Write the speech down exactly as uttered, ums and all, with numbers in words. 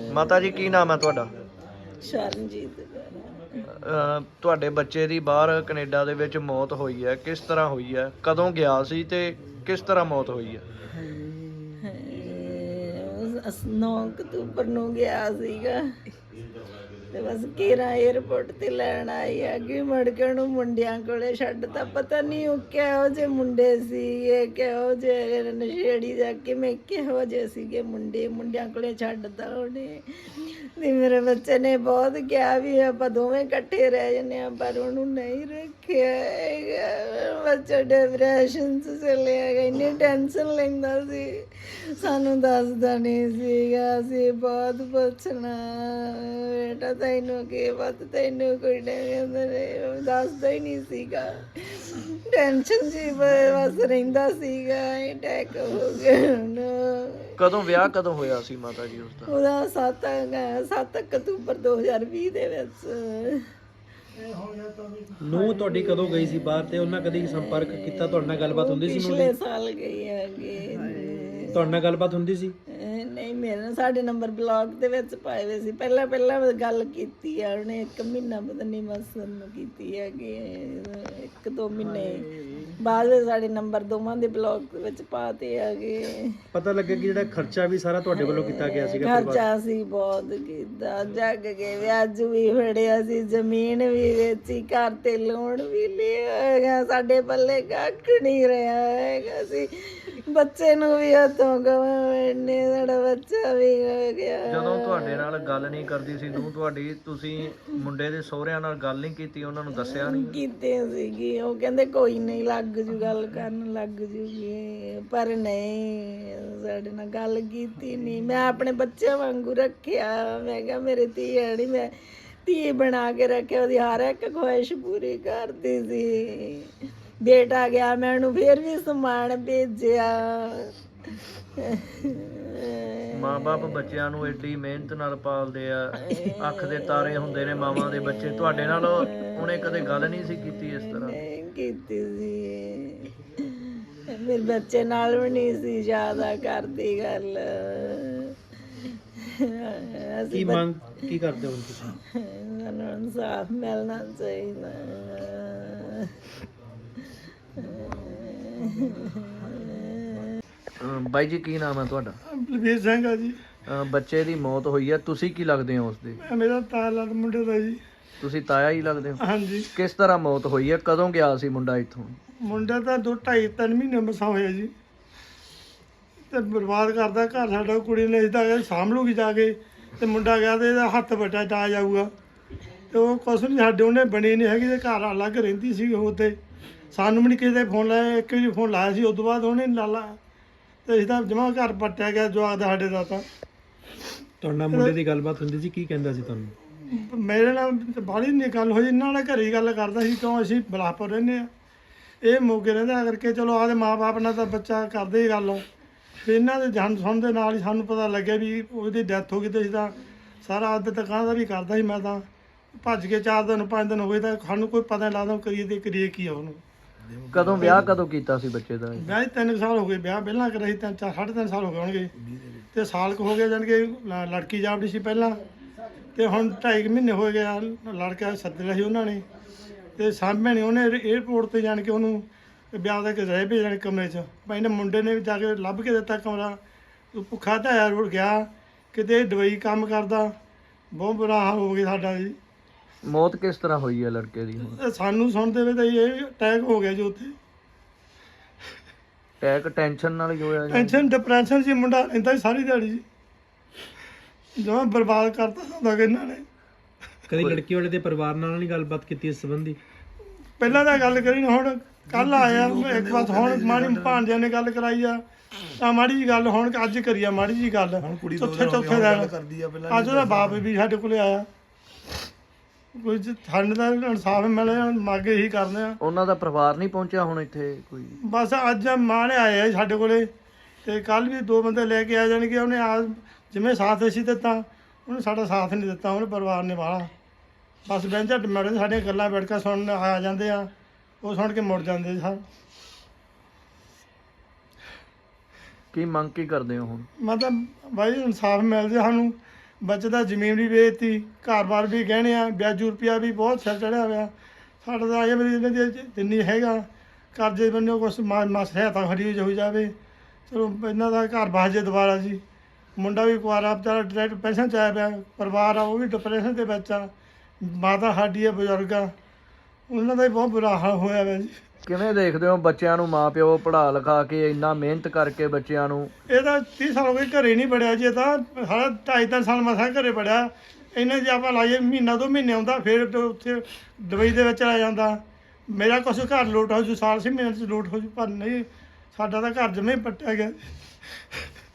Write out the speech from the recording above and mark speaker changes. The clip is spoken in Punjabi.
Speaker 1: ਮਾਤਾ ਜੀ ਕੀ ਨਾਮ ਹੈ ਤੁਹਾਡਾ?
Speaker 2: ਸ਼ਰਨਜੀਤ
Speaker 1: ਅਹ ਤੁਹਾਡੇ ਬੱਚੇ ਦੀ ਬਾਹਰ ਕੈਨੇਡਾ ਦੇ ਵਿੱਚ ਮੌਤ ਹੋਈ ਹੈ, ਕਿਸ ਤਰ੍ਹਾਂ ਹੋਈ ਹੈ, ਕਦੋਂ ਗਿਆ ਸੀ ਤੇ ਕਿਸ ਤਰ੍ਹਾਂ ਮੌਤ ਹੋਈ ਹੈ?
Speaker 2: ਨੌ ਅਕਤੂਬਰ ਨੂੰ ਗਿਆ ਸੀਗਾ ਤੇ ਬਸ ਕੇਰਾ ਏਅਰਪੋਰਟ ਤੇ ਲੈਣ ਆਈ ਅੱਗੇ ਮੜਕਣ ਨੂੰ ਮੁੰਡਿਆਂ ਕੋਲੇ ਛੱਡਤਾ। ਪਤਾ ਨਹੀਂ ਉਹ ਕਿਹੋ ਜਿਹੇ ਮੁੰਡੇ ਸੀ, ਇਹ ਕਿਹੋ ਜਿਹੇ ਨਸ਼ੇੜੀ ਜਾ ਕੇ ਮੈਂ ਕਿਹੋ ਜਿਹੇ ਸੀਗੇ ਮੁੰਡੇ, ਮੁੰਡਿਆਂ ਕੋਲੇ ਛੱਡਤਾ ਉਹਨੇ। ਤੇ ਮੇਰੇ ਬੱਚੇ ਨੇ ਬਹੁਤ ਕਿਹਾ ਵੀ ਆਪਾਂ ਦੋਵੇਂ ਇਕੱਠੇ ਰਹਿ ਜੰਨੇ ਆ, ਪਰ ਉਹਨੂੰ ਨਹੀਂ ਰੱਖਿਆ ਹੈਗਾ। ਬੱਚਾ ਡਿਪਰੈਸ਼ਨ 'ਚ ਚਲਿਆ ਗਿਆ, ਇੰਨੀ ਟੈਨਸ਼ਨ ਲੈਂਦਾ ਸੀ, ਸਾਨੂੰ ਦੱਸਦਾ ਨਹੀਂ ਸੀਗਾ। ਅਸੀਂ ਬਹੁਤ ਪੁੱਛਣਾ ਬੇਟਾ ਤੈਨੂੰ ਕੀ ਪਤਾ, ਤੈਨੂੰ ਕੋਈ ਨਹੀਂ ਦੱਸਦਾ ਹੀ ਨਹੀਂ ਸੀਗਾ। ਟੈਨਸ਼ਨ 'ਚ ਬਸ ਰਹਿੰਦਾ ਸੀਗਾ। ਅਟੈਕ ਹੋ ਗਿਆ ਉਹਨੂੰ।
Speaker 1: ਕਦੋਂ ਵਿਆਹ ਕਦੋਂ ਹੋਇਆ ਸੀ ਮਾਤਾ ਜੀ ਉਸਦਾ?
Speaker 2: ਉਹਦਾ ਸੱਤ ਸੱਤ ਅਕਤੂਬਰ ਦੋ ਹਜ਼ਾਰ ਵੀਹ ਦੇ ਵਿੱਚ।
Speaker 3: ਨੂੰ ਤੁਹਾਡੀ ਕਦੋਂ ਗਈ ਸੀ ਬਾਹਰ ਤੇ ਉਹਨਾਂ ਕਦੀ ਸੰਪਰਕ ਕੀਤਾ? ਤੁਹਾਡੇ ਨਾਲ ਗੱਲਬਾਤ ਹੁੰਦੀ ਸੀ?
Speaker 2: ਪਿਛਲੇ ਸਾਲ ਗਈ ਹੈਗੀ।
Speaker 3: ਤੁਹਾਡੇ ਨਾਲ ਗੱਲਬਾਤ ਹੁੰਦੀ ਸੀ?
Speaker 2: ਨਹੀਂ, ਮੇਰੇ ਨਾਲ ਸਾਡੇ ਨੰਬਰ ਬਲੌਗ ਦੇ ਵਿੱਚ ਪਾਏ ਹੋਏ ਸੀ। ਪਹਿਲਾਂ ਪਹਿਲਾਂ ਗੱਲ ਕੀਤੀ ਆ ਉਹਨੇ, ਇੱਕ ਮਹੀਨਾ ਪਤਾ ਨਹੀਂ ਬਸ ਨੂੰ ਕੀਤੀ ਹੈਗੀ, ਇੱਕ ਦੋ ਮਹੀਨੇ ਬਾਅਦ ਵਿੱਚ ਸਾਡੇ ਨੰਬਰ ਦੋਵਾਂ ਦੇ ਬਲੌਗ ਦੇ ਵਿੱਚ ਪਾਤੇ ਹੈਗੇ।
Speaker 3: ਪਤਾ ਲੱਗਾ ਕਿ ਜਿਹੜਾ ਖਰਚਾ ਵੀ ਸਾਰਾ ਤੁਹਾਡੇ ਵੱਲੋਂ ਕੀਤਾ ਗਿਆ ਸੀਗਾ?
Speaker 2: ਖਰਚਾ ਸੀ ਬਹੁਤ ਕੀਤਾ, ਜੱਗ ਕੇ ਵਿਆਜ ਵੀ ਫੜਿਆ ਸੀ, ਜ਼ਮੀਨ ਵੀ ਵੇਚੀ, ਘਰ ਤੇ ਲੋਨ ਵੀ ਲਿਆ ਹੈਗਾ। ਸਾਡੇ ਪੱਲੇ ਕੱਖ ਨਹੀਂ ਰਿਹਾ ਹੈਗਾ ਸੀ। ਬੱਚੇ ਨੂੰ ਵੀ ਹੱਥੋਂ ਗਵਾਉਣੇ, ਸਾਡਾ ਬੱਚਾ ਵੀ ਹੋ ਗਿਆ।
Speaker 1: ਜਦੋਂ ਤੁਹਾਡੇ ਨਾਲ ਗੱਲ ਨਹੀਂ ਕਰਦੀ ਸੀ ਨੂੰ ਤੁਹਾਡੀ, ਤੁਸੀਂ ਮੁੰਡੇ ਦੇ ਸਹੁਰਿਆਂ ਨਾਲ ਗੱਲ ਨਹੀਂ ਕੀਤੀ? ਉਹਨਾਂ ਨੂੰ ਦੱਸਿਆ ਨਹੀਂ?
Speaker 2: ਕੀਤੀ ਸੀਗੀ, ਉਹ ਕਹਿੰਦੇ ਕੋਈ ਨਹੀਂ ਲੱਗ ਜੂ, ਗੱਲ ਕਰਨ ਲੱਗ ਜੂਗੀ, ਪਰ ਨਹੀਂ ਸਾਡੇ ਨਾਲ ਗੱਲ ਕੀਤੀ ਨਹੀਂ। ਮੈਂ ਆਪਣੇ ਬੱਚਿਆਂ ਵਾਂਗੂ ਰੱਖਿਆ। ਮੈਂ ਕਿਹਾ ਮੇਰੇ ਧੀ ਹੈ ਨਹੀਂ, ਮੈਂ ਧੀ ਬਣਾ ਕੇ ਰੱਖਿਆ, ਉਹਦੀ ਹਰ ਇੱਕ ਖੁਆਇਸ਼ ਪੂਰੀ ਕਰਦੀ ਸੀ। ਬੇਟਾ ਗਿਆ ਮੈਂ ਉਹਨੂੰ ਫਿਰ ਵੀ ਸਮਾਨ ਭੇਜਿਆ।
Speaker 1: ਮਾਂ-ਬਾਪ ਬੱਚਿਆਂ ਨੂੰ ਏਡੀ ਮਿਹਨਤ ਨਾਲ ਪਾਲਦੇ ਆ, ਅੱਖ ਦੇ ਤਾਰੇ ਹੁੰਦੇ ਨੇ ਮਾਵਾਂ ਦੇ ਬੱਚੇ। ਤੁਹਾਡੇ ਨਾਲ ਉਹਨੇ ਕਦੇ ਗੱਲ ਨਹੀਂ ਸੀ ਕੀਤੀ ਇਸ ਤਰ੍ਹਾਂ?
Speaker 2: ਨਹੀਂ ਕੀਤੀ ਸੀ, ਮੇਰੇ ਬੱਚੇ ਨਾਲ ਵੀ ਨਹੀਂ ਸੀ ਜ਼ਿਆਦਾ ਕਰਦੀ ਗੱਲ।
Speaker 3: ਕੀ ਮੰਗ ਕੀ ਕਰਦੇ ਹੋ ਤੁਸੀਂ?
Speaker 2: ਸਾਨੂੰ ਇਨਸਾਫ ਮਿਲਣਾ ਚਾਹੀਦਾ।
Speaker 1: ਬਾਈ ਜੀ ਕੀ ਨਾਮ ਹੈ ਤੁਹਾਡਾ?
Speaker 4: ਬਲਵੀਰ ਸਿੰਘ ਆ ਜੀ।
Speaker 1: ਅਹ ਬੱਚੇ ਦੀ ਮੌਤ ਹੋਈ ਹੈ, ਤੁਸੀਂ ਕੀ ਲੱਗਦੇ ਹੋ ਉਸਦੇ?
Speaker 4: ਮੇਰਾ ਤਾਲਾ ਮੁੰਡੇ ਦਾ ਜੀ।
Speaker 1: ਤੁਸੀਂ ਤਾਇਆ ਹੀ ਲੱਗਦੇ ਹੋ?
Speaker 4: ਹਾਂਜੀ।
Speaker 1: ਕਿਸ ਤਰ੍ਹਾਂ ਮੌਤ ਹੋਈ ਹੈ, ਕਦੋਂ ਗਿਆ ਸੀ ਮੁੰਡਾ ਇੱਥੋਂ?
Speaker 4: ਮੁੰਡਾ ਤਾਂ ਦੋ ਢਾਈ ਤਿੰਨ ਮਹੀਨੇ ਮਸਾਂ ਹੋਇਆ ਜੀ, ਤੇ ਬਰਬਾਦ ਕਰਦਾ ਘਰ ਸਾਡਾ। ਕੁੜੀ ਨੇ ਇਸਦਾ ਸਾਂਭ ਲੂਗੀ ਜਾ ਕੇ, ਤੇ ਮੁੰਡਾ ਗਿਆ ਤੇ ਇਹਦਾ ਹੱਥ ਵੱਟਾ ਟਾ ਜਾਊਗਾ, ਤੇ ਉਹ ਕੁਛ ਨਹੀਂ ਸਾਡੇ ਉਹਨੇ ਬਣੀ ਨਹੀਂ ਹੈਗੀ, ਤੇ ਘਰ ਅਲੱਗ ਰਹਿੰਦੀ ਸੀ ਉਹ। ਤੇ ਸਾਨੂੰ ਵੀ ਨਹੀਂ ਕਿਸੇ ਦੇ ਫੋਨ ਲਾਇਆ, ਇੱਕ ਵਾਰੀ ਫੋਨ ਲਾਇਆ ਸੀ, ਉਸ ਤੋਂ ਬਾਅਦ ਉਹਨੇ ਲਾ ਲਾ, ਤੇ ਇਸਦਾ ਜਮਾ ਘਰ ਪੱਟਿਆ ਗਿਆ ਜਵਾਕ ਦਾ ਸਾਡੇ ਦਾ। ਤਾਂ
Speaker 3: ਤੁਹਾਡੇ ਨਾਲ ਮੁੰਡੇ ਦੀ ਗੱਲਬਾਤ ਹੁੰਦੀ ਸੀ, ਕੀ ਕਹਿੰਦਾ ਸੀ ਤੁਹਾਨੂੰ?
Speaker 4: ਮੇਰੇ ਨਾਲ ਬਾਹਲੀ ਨਹੀਂ ਗੱਲ ਹੋਈ, ਇਹਨਾਂ ਨਾਲ ਘਰੇ ਹੀ ਗੱਲ ਕਰਦਾ ਸੀ, ਕਿਉਂ ਅਸੀਂ ਬਲਾਸਪੁਰ ਰਹਿੰਦੇ ਹਾਂ, ਇਹ ਮੋਗੇ ਰਹਿੰਦਾ ਕਰਕੇ। ਚਲੋ ਆਦੇ ਮਾਂ-ਬਾਪ ਨਾਲ ਤਾਂ ਬੱਚਾ ਕਰਦੇ ਹੀ ਗੱਲ। ਫਿਰ ਇਹਨਾਂ ਦੇ ਜਨ ਸੁਣਨ ਦੇ ਨਾਲ ਹੀ ਸਾਨੂੰ ਪਤਾ ਲੱਗਿਆ ਵੀ ਉਹਦੀ ਡੈਥ ਹੋ ਗਈ, ਤੇ ਇਸਦਾ ਸਾਰਾ ਅੱਧ ਤੱਕਾਂ ਦਾ ਵੀ ਕਰਦਾ ਸੀ। ਮੈਂ ਤਾਂ ਭੱਜ ਕੇ ਚਾਰ ਦਿਨ ਪੰਜ ਦਿਨ ਹੋਏ ਤਾਂ ਸਾਨੂੰ ਕੋਈ ਪਤਾ ਨਹੀਂ ਲੱਗਦਾ ਕਰੀਏ ਤੇ ਕਰੀਏ ਕੀ ਆ ਉਹਨੂੰ।
Speaker 1: ਕਦੋਂ ਵਿਆਹ ਕਦੋਂ ਕੀਤਾ ਸੀ ਬੱਚੇ ਦਾ?
Speaker 4: ਵਿਆਹ ਤਿੰਨ ਸਾਲ ਹੋ ਗਏ, ਵਿਆਹ ਪਹਿਲਾਂ ਕਰਿਆ ਸੀ, ਤਿੰਨ ਚਾਰ ਸਾਢੇ ਤਿੰਨ ਸਾਲ ਹੋ ਗਏ ਹੋਣਗੇ, ਤੇ ਸਾਲ ਕੁ ਹੋ ਗਿਆ ਜਾਣੀ ਕਿ ਲੜਕੀ ਜਾਪਦੀ ਸੀ ਪਹਿਲਾਂ, ਤੇ ਹੁਣ ਢਾਈ ਕੁ ਮਹੀਨੇ ਹੋ ਗਿਆ ਲੜਕਾ ਸੱਦਿਆ ਸੀ ਉਹਨਾਂ ਨੇ, ਤੇ ਸਾਹਮਣੇ ਨਹੀਂ ਉਹਨੇ ਏਅਰਪੋਰਟ ਤੇ ਜਾਣ ਕੇ ਉਹਨੂੰ ਵਿਆਹ ਦਾ ਕੇ ਰਹਿ ਪਏ ਜਾਣ ਕਮਰੇ 'ਚ। ਭਾਈ ਨੇ ਮੁੰਡੇ ਨੇ ਜਾ ਕੇ ਲੱਭ ਕੇ ਦਿੱਤਾ ਕਮਰਾ, ਉਹ ਭੁੱਖਾ ਧਾਇਆ ਰੁੜ ਗਿਆ, ਕਿਤੇ ਦਵਾਈ ਕੰਮ ਕਰਦਾ। ਬਹੁਤ ਬੁਰਾ ਹਾਲ ਹੋ ਗਿਆ ਸਾਡਾ ਜੀ।
Speaker 1: ਮੌਤ ਕਿਸ ਤਰ੍ਹਾਂ ਹੋਈ ਹੈ ਲੜਕੇ ਦੀ? ਹੁਣ
Speaker 4: ਸਾਨੂੰ ਸੁਣਦੇ ਵੇ ਤਾਂ ਇਹ ਅਟੈਕ ਹੋ ਗਿਆ ਜੀ ਉੱਥੇ।
Speaker 1: ਅਟੈਕ ਟੈਨਸ਼ਨ ਨਾਲ ਹੀ ਹੋਇਆ ਜੀ?
Speaker 4: ਟੈਨਸ਼ਨ ਡਿਪਰੈਸ਼ਨ ਸੀ, ਮੁੰਡਾ ਰਹਿੰਦਾ ਸੀ ਸਾਰੀ ਦਿਹਾੜੀ ਜੀ, ਜਮਾਂ ਬਰਬਾਦ ਕਰਤਾ ਹੁੰਦਾ ਕਿ ਇਹਨਾਂ ਨੇ।
Speaker 3: ਕਦੀ ਲੜਕੀ ਵਾਲੇ ਦੇ ਪਰਿਵਾਰ ਨਾਲ ਨਹੀਂ ਗੱਲਬਾਤ ਕੀਤੀ ਇਸ ਸੰਬੰਧੀ?
Speaker 4: ਪਹਿਲਾਂ ਤਾਂ ਗੱਲ ਕਰੀ ਨਾ, ਹੁਣ ਕੱਲ ਆਇਆ ਇੱਕ ਵਾਰ, ਹੁਣ ਮਾੜੀ ਭਾਂਜਿਆਂ ਨੇ ਗੱਲ ਕਰਾਈ ਆ, ਤਾਂ ਮਾੜੀ ਜੀ ਗੱਲ ਹੁਣ ਅੱਜ ਕਰੀ ਆ ਮਾੜੀ ਜੀ ਗੱਲ। ਚੌਥੇ ਚੌਥੇ ਦਿਨ ਅੱਜ ਉਹਦਾ ਬਾਪ ਵੀ ਸਾਡੇ ਕੋਲੇ ਆਇਆ। ਕੋਈ ਸਾਨੂੰ ਤਾਂ ਇਨਸਾਫ ਮਿਲੇ, ਮੰਗ ਇਹੀ ਕਰਦੇ ਆ।
Speaker 1: ਉਹਨਾਂ ਦਾ ਪਰਿਵਾਰ ਨਹੀਂ ਪਹੁੰਚਿਆ ਹੁਣ ਇੱਥੇ ਕੋਈ?
Speaker 4: ਬਸ ਅੱਜ ਮਾਂ ਨੇ ਆਏ ਆ ਸਾਡੇ ਕੋਲੇ, ਤੇ ਕੱਲ ਵੀ ਦੋ ਬੰਦੇ ਲੈ ਕੇ ਆ ਜਾਣਗੇ। ਉਹਨੇ ਆ ਜਿਵੇਂ ਸਾਥ ਅਸੀਂ ਦਿੱਤਾ, ਉਹਨੇ ਸਾਡਾ ਸਾਥ ਨਹੀਂ ਦਿੱਤਾ, ਉਹਨੇ ਪਰਿਵਾਰ ਨੇ ਵਾਲਾ। ਬਸ ਬੈਂਚਾ ਮੈਡਮ ਸਾਡੀਆਂ ਗੱਲਾਂ ਬੈਠ ਕੇ ਸੁਣਨ ਆ ਜਾਂਦੇ ਆ, ਉਹ ਸੁਣ ਕੇ ਮੁੜ ਜਾਂਦੇ ਸਰ।
Speaker 1: ਕੀ ਮੰਗ ਕੀ ਕਰਦੇ ਹੋ ਹੁਣ?
Speaker 4: ਮਤਲਬ ਬਾਈ ਇਨਸਾਫ ਮਿਲ ਜੇ ਸਾਨੂੰ, ਬੱਚੇ ਦਾ ਜ਼ਮੀਨ ਵੀ ਵੇਚਤੀ, ਘਰ-ਬਾਰ ਵੀ ਗਹਿਣੇ ਆ, ਵਿਆਜੂ ਰੁਪਿਆ ਵੀ ਬਹੁਤ ਸਿਰ ਚੜਿਆ ਹੋਇਆ। ਸਾਡਾ ਤਾਂ ਇਹ ਵੀ ਇਹਨਾਂ ਦੀ ਜਿੰਨੀ ਹੈਗਾ ਕਰਜ਼ੇ ਬੰਨਿਓ ਕੁਛ ਮਾ ਸਹਾਇਤਾ ਖੜੀ ਹੋ ਜਾਵੇ। ਚਲੋ ਇਹਨਾਂ ਦਾ ਘਰ ਬਸ ਜੇ ਦੁਬਾਰਾ ਜੀ। ਮੁੰਡਾ ਵੀ ਕੁਆਰਾ ਵਿਚਾਰਾ ਡਾਇਰੈਕਟ ਪੈਨਸ਼ਨ 'ਚ ਆਇਆ ਪਿਆ, ਪਰਿਵਾਰ ਆ ਉਹ ਵੀ ਡਿਪਰੈਸ਼ਨ ਦੇ ਵਿੱਚ ਆ, ਮਾਤਾ ਸਾਡੀ ਆ ਬਜ਼ੁਰਗ ਆ, ਉਹਨਾਂ ਦਾ ਵੀ ਬਹੁਤ ਬੁਰਾ ਹਾਲ ਹੋਇਆ ਵਾ ਜੀ।
Speaker 1: ਕਿਵੇਂ ਦੇਖਦੇ ਹੋ ਬੱਚਿਆਂ ਨੂੰ ਮਾਂ ਪਿਓ ਪੜ੍ਹਾ ਲਿਖਾ ਕੇ ਇੰਨਾ ਮਿਹਨਤ ਕਰਕੇ ਬੱਚਿਆਂ ਨੂੰ?
Speaker 4: ਇਹ ਤਾਂ ਤੀਹ ਸਾਲ ਹੋ ਗਏ ਘਰੇ ਨਹੀਂ ਵੜਿਆ ਜੀ। ਇਹ ਤਾਂ ਸਾਡਾ ਢਾਈ ਤਿੰਨ ਸਾਲ ਮਸਾਂ ਘਰੇ ਵੜਿਆ। ਇਹਨੇ ਜੇ ਆਪਾਂ ਲਾਈਏ ਮਹੀਨਾ ਦੋ ਮਹੀਨੇ ਆਉਂਦਾ, ਫਿਰ ਤੇ ਉੱਥੇ ਦੁਬਈ ਦੇ ਵਿੱਚ ਆ ਜਾਂਦਾ। ਮੇਰਾ ਕੁਛ ਘਰ ਲੋਟ ਹੋ ਜੂ, ਸਾਲ ਛੇ ਮਹੀਨੇ 'ਚ ਲੋਟ ਹੋ ਜੂ, ਪਰ ਨਹੀਂ, ਸਾਡਾ ਤਾਂ ਘਰ ਜਮੇ ਪੱਟਿਆ ਗਿਆ।